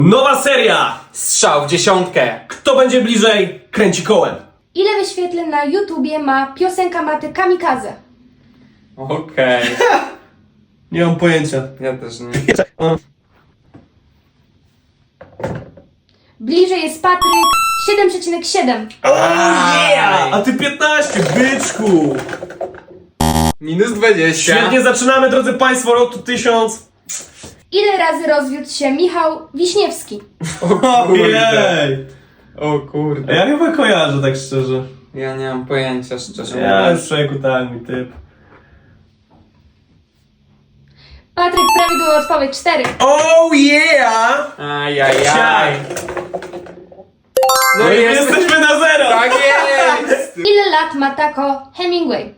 Nowa seria! Strzał w dziesiątkę. Kto będzie bliżej, kręci kołem. Ile wyświetleń na YouTubie ma piosenka Maty Kamikaze? Okej. Nie mam pojęcia. Ja też nie. Bliżej jest Patryk 7,7. Yeah! A ty 15, byczku! Minus 20. Świetnie zaczynamy, drodzy Państwo, rok tu 1000. Ile razy rozwiódł się Michał Wiśniewski? Ojej! O kurde. Ja chyba kojarzę, tak szczerze. Ja nie mam pojęcia, szczerze Ja mówiąc. już człowieku, tak, mi typ. Patryk, prawidłowa odpowiedź 4. Oh yeah! Ajajaj. No i jesteśmy na zero! Tak jest! Ile lat ma tako Hemingway?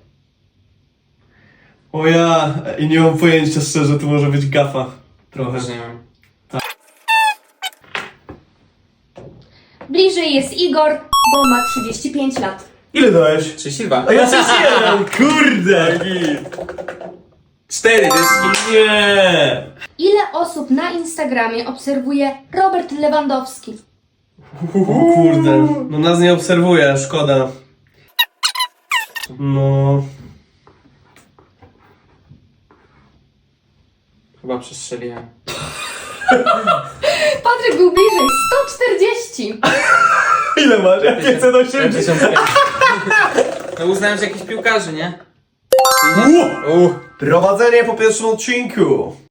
O ja, i nie mam pojęcia szczerze, tu może być gafa. Trochę. Też nie wiem. Bliżej jest Igor, bo ma 35 lat. Ile dałeś? 32. A ja 31! Kurde! 4 dyski. Nie! Ile osób na Instagramie obserwuje Robert Lewandowski? O kurde, no nas nie obserwuje, szkoda. No... Chyba przestrzeliłem. Patryk był bliżej 140. Ile masz? Ja 580. 55. No uznałem, że jakiś piłkarzy, nie? Prowadzenie po pierwszym odcinku.